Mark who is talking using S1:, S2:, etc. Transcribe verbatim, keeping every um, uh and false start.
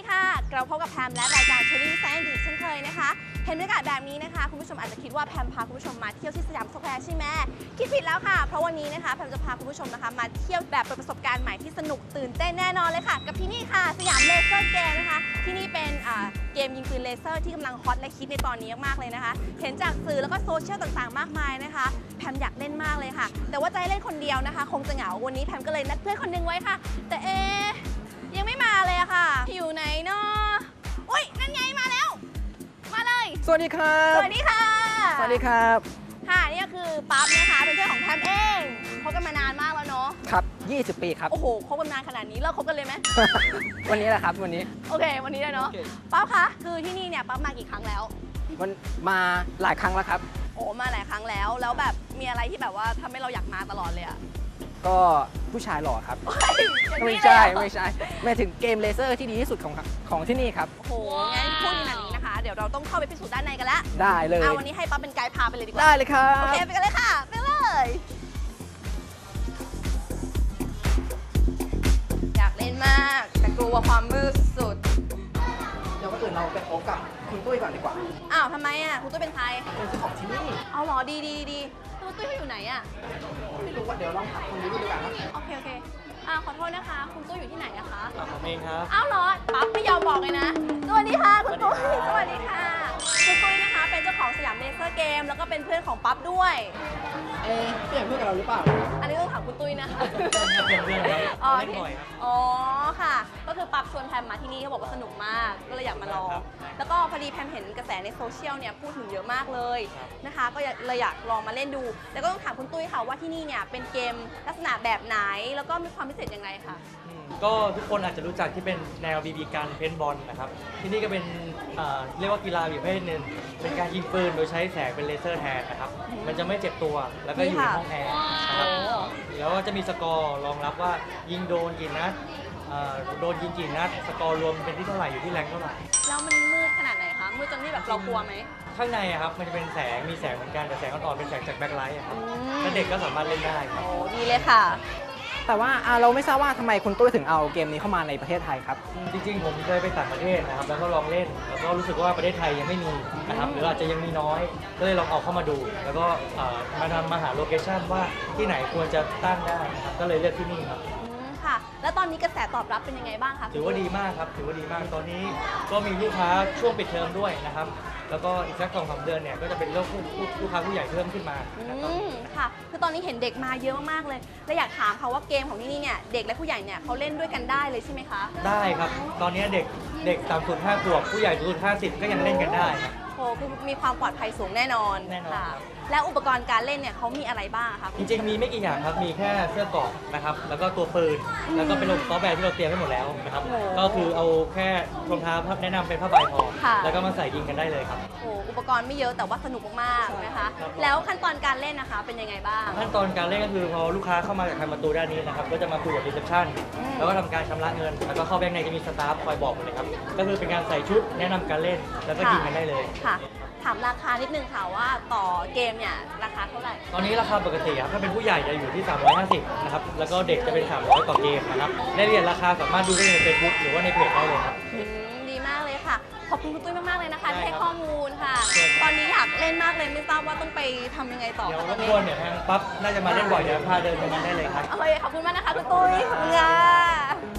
S1: ค่ะเราพบกับแพมและรายการเชอรี่แซนด์วิชเช่นเคยนะคะเห็นบรรยากาศแบบนี้นะคะคุณผู้ชมอาจจะคิดว่าแพมพาคุณผู้ชมมาเที่ยวที่สยามสแควร์ใช่ไหมคิดผิดแล้วค่ะเพราะวันนี้นะคะแพมจะพาคุณผู้ชมนะคะมาเที่ยวแบบเปิดประสบการณ์ใหม่ที่สนุกตื่นเต้นแน่นอนเลยค่ะกับที่นี่ค่ะสยามเลเซอร์เกมนะคะที่นี่เป็นเกมยิงปืนเลเซอร์ที่กำลังฮอตและฮิตในตอนนี้มากๆเลยนะคะเห็นจากสื่อแล้วก็โซเชียลต่างๆมากมายนะคะแพมอยากเล่นมากเลยค่ะแต่ว่าจะให้เล่นคนเดียวนะคะคงจะเหงาวันนี้แพมก็เลยนัดเพื่อนคนนึงไว้ค่ะแต่เอยังไม่มาเลยอะค่ะอยู่ไหนเนาะอุ้ยนั่นไงมาแล้วมาเลย
S2: สวัสดีครับ
S1: สวัสดีค่ะ
S2: สวัสดีครับ
S1: ค่ะนี่ก็คือปั๊บนะคะเป็นเพื่อนของแพมเองคบกันมานานมากแล้วเนาะ
S2: ครับยี่สิบปีครับ
S1: โอ้โหคบกันนานขนาดนี้เลิกคบกันเลยไหม
S2: วันนี้แหละครับวันนี้
S1: โอเควันนี้เลยเนาะปั๊บคะคือที่นี่เนี่ยปั๊บมากี่ครั้งแล้ว
S2: มันมาหลายครั้งแล้วครับ
S1: โอ้มาหลายครั้งแล้วแล้วแบบมีอะไรที่แบบว่าทำให้เราอยากมาตลอดเลยอะ
S2: ก็ผู้ชายหล่อครับไม่ใช่ไม่ใช่ไม่ถึงเกมเลเซอร์ที่ดีที่สุดของของที่นี่ครับ
S1: โอ้โหงั้นพูดขนาดนี้นะคะเดี๋ยวเราต้องเข้าไปพิสูจน์ด้านในกันละ
S2: ได้เลย
S1: เอาวันนี้ให้ปั๊บเป็นไกด์พาไปเลยดีกว่า
S2: ได้เลยครับ
S1: โอเคไปกันเลยค่ะไปเลยอยากเล่นมากแต่กลัวความมืดสุด
S2: เดี๋ยวก็อื่นเราไปพบกับคุณตุ้ยก่อนดีกว่า
S1: อ้าวทำไมอ่ะคุณตุ้ยเป็นใคร
S2: เป็นเจ้าของที่นี่
S1: เอาหรอดีดีดีคุณตุ้ยเขาอยู่ไหนอ่ะ
S2: ไม่รู้ว่าเดี๋ยวลองถามคนนี้ดูดีกว่าครับ
S1: โอเคโอเคอ่าขอโทษนะคะคุณตุ้ยอยู่ที่ไหนอะคะ
S3: ผมเองครับ
S1: อ้าวเหรอปั๊บไม่ยอมบอกเลยนะสวัสดีค่ะคุณตุ้ยสวัสดีค่ะคุณตุ้ยนะคะเป็นเจ้าของสยามเลเซอร์เกมแล้วก็เป็นเพื่อนของปั๊บด้วย
S2: เอ๊ะเพื่อนเพื่อนกับเราหรือเปล่า
S1: อันนี้ต้องถามคุณตุ้ยนะคะ
S3: เป็นเพื่อนครับ
S1: อ๋อ
S3: เล่นบ่อยครับ
S1: อ๋อค่ะก็คือปั๊บชวนแพมมาที่นี่เขาบอกว่าสนุกมากก็เลยอยากมาลองแล้วก็พอดีแพมเห็นกระแสในโซเชียลเนี่ยพูดถึงเยอะมากเลยนะคะก็เลยอยากลองมาเล่นดูแล้วก็ต้องถามคุณตุ้ยค่ะว่าที่นี่เนี่ยเป็นเกมลักษณะแบบไหนแล้วก็มีความพิเศษยังไงคะ
S3: ก็ทุกคนอาจจะรู้จักที่เป็นแนวบีบีกันเพนบอลนะครับที่นี่ก็เป็นเรียกว่ากีฬาอีกประเภทหนึ่งเป็นการยิงปืนโดยใช้แสงเป็นเลเซอร์แทนนะครับมันจะไม่เจ็บตัวแล้วก็อยู่ในห้องแอร์นะครับแล้วก็จะมีสกอร์รองรับว่ายิงโดนกี่นัดโดนยิงกี่นัดสกอร์รวมเป็นที่เท่าไหร่อยู่ที่แรงเท่าไหร่
S1: แล้วมันมืดขนาดไหนคะมืดจนที่แบบเรากลัวไหม
S3: ข้างในครับมันจะเป็นแสงมีแสงเหมือนกันแต่แสงอ่อนๆเป็นแสงจากแบ็คไลท์ครับถ้าเด็กก็สามารถเล่นได้ครับ
S1: โอ้ดีเลยค่ะ
S2: แต่ว่าเราไม่ทราบว่าทำไมคุณตุ้ยถึงเอาเกมนี้เข้ามาในประเทศไทยครับ
S3: จริงๆผมเคยไปต่างประเทศนะครับแล้วก็ลองเล่นแล้วก็รู้สึกว่าประเทศไทยยังไม่มีนะครับหรืออาจจะยังมีน้อยก็เลยลองเอาเข้ามาดูแล้วก็มาทำมาหาโลเคชั่นว่าที่ไหนควรจะตั้งได้นะครับก็เลยเลือกที่นี่ครับ
S1: ค่ะแล้วตอนนี้กระแสตอบรับเป็นยังไงบ้างคะ
S3: ถือว่าดีมากครับถือว่าดีมากตอนนี้ก็มีลูกค้าช่วงปิดเทอมด้วยนะครับแล้วก็อีกสักสองสามเดือนเนี่ยก็จะเป็นเรื่องลูกค้าผู้ใหญ่เพิ่มขึ้นมา
S1: อืมค่ะคือตอนนี้เห็นเด็กมาเยอะมากๆเลยและอยากถามค่ะว่าเกมของที่นี่เนี่ยเด็กและผู้ใหญ่เนี่ยเขาเล่นด้วยกันได้เลยใช่ไหมคะ
S3: ได้ครับตอนนี้เด็กเด็กต่ำสุดห้าขวบผู้ใหญ่สุดห้าสิบก็ยังเล่นกันได้ครับ
S1: โอ้คือมีความปลอดภัยสูงแน่นอน
S3: แน่นอน
S1: ค่ะแล้วอุปกรณ์การเล่นเนี่ยเขามีอะไรบ้างคะ
S3: จริงๆมีไม่กี่อย่างครับมีแค่เสื้อเกราะนะครับแล้วก็ตัวปืนแล้วก็เป็นระบบซอฟต์แวร์ที่เราเตรียมไว้หมดแล้วนะครับก็คือเอาแค่รองเท้าแนะนำเป็นผ้าใบพอแล้วก็มาใส่ยิงกันได้เลยครับ
S1: โอ้อุปกรณ์ไม่เยอะแต่ว่าสนุกมากๆนะคะแล้วขั้นตอนการเล่นนะคะเป็นยังไงบ้าง
S3: ขั้นตอนการเล่นก็คือพอลูกค้าเข้ามาจากทางประตูด้านนี้นะครับก็จะมาคุยกับรีเซพชันแล้วก็ทำการชำระเงินแล้วก็เข้าแบงค์ในจะมีสตาฟคอยบอกหมดเลยครับก็คือเป็นการใส่ชุดแนะนำการเล่นแล้วก็ยิงกันได้เลย
S1: ค่ะถามราคานิดนึงค่ะว่าต่อเกมเนี่ยราคาเท่าไหร่
S3: ตอนนี้ราคาปกติครับถ้าเป็นผู้ใหญ่จะอยู่ที่สามร้อยห้าสิบนะครับแล้วก็เด็กจะเป็นสามร้อยต่อเกมนะครับรายละเอียดราคาสามารถดูได้ใน เฟซบุ๊ก หรือว่าในเพจได้เลยครับ
S1: ดีมากเลยค่ะขอบคุณคุณตุ้ยมากๆเลยนะคะที่ให้ข้อมูลค่ะตอนนี้อยากเล่นมากเลยไม่ทราบว่าต้องไปทำยังไงต่อ
S3: เดี๋ยวรบกวนเดี๋ยวทางปั๊บน่าจะมาเล่นบ่อยเดี๋ยวพาเดินไปนั้นได้เลยครับ
S1: โอเคขอบคุณมากนะคะคุณตุ้ยขอบคุณค่ะ